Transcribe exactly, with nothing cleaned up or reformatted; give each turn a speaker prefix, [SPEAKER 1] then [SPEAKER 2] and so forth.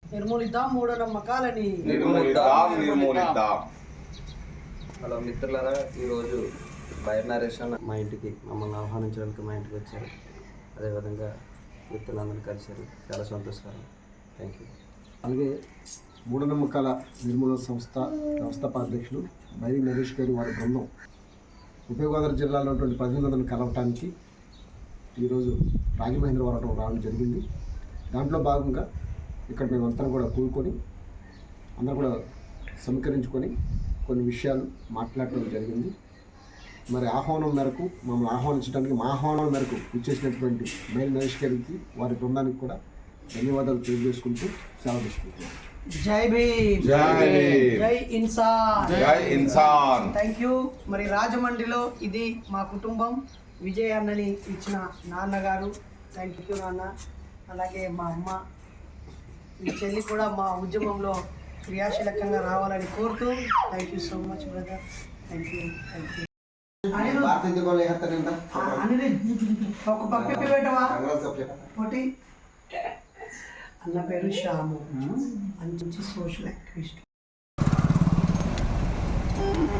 [SPEAKER 1] నిర్మూలిద్దాం మూఢనమ్మకాలని.
[SPEAKER 2] నిర్మూలిద్దాం నిర్మూలిద్దాం.
[SPEAKER 3] Hello మిత్రులారా, ఈరోజు బైర్ నరేష్ అన్న మా ఇంటికి మమ్మల్ని ఆహ్వానించడానికి మా ఇంటికి వచ్చారు. అదేవిధంగా మిత్రులందరూ కలిశారు. చాలా సంతోషకరం. Thank you.
[SPEAKER 4] అలాగే మూఢనమ్మకాల నిర్మూలన సంస్థ వ్యవస్థాపాధ్యక్షులు బైరి నరేష్ గారు వారి బృందం ఉభయ గోదావరి జిల్లాలో ఉన్నటువంటి ప్రతినిధులను కలవటానికి ఈరోజు రాజమహేంద్రవరం రావడం జరిగింది. దాంట్లో భాగంగా ఇక్కడ మేమంతా కూడా కూడుకొని అందరూ కూడా సమీకరించుకొని కొన్ని విషయాలు మాట్లాడటం జరిగింది. మరి ఆహ్వానం మేరకు మమ్మల్ని ఆహ్వానించడానికి మా ఆహ్వానం మేరకు ఇచ్చేసినటువంటి బైరి నరేష్ గారికి వారి బృందానికి కూడా ధన్యవాదాలు తెలియజేసుకుంటూ సెలవు తీసుకుంటున్నాం.
[SPEAKER 1] జై భీమ్,
[SPEAKER 2] జై
[SPEAKER 1] జై ఇన్సాన్,
[SPEAKER 2] జై ఇన్సాన్.
[SPEAKER 1] Thank you. మరి రాజమండ్రిలో ఇది మా కుటుంబం. విజయ్ అన్నని ఇచ్చిన నాన్నగారు, థ్యాంక్ యూ నాన్న. అలాగే మా అమ్మ, మీ చెల్లి కూడా మా ఉద్యమంలో క్రియాశీలకంగా రావాలని కోరుతూ thank you so much brother. Thank you thank you. ఒక పప్పి పెట్టవా ఒకటి. అన్న పేరు శ్యాము, మంచి సోషల్ యాక్టివిస్ట్.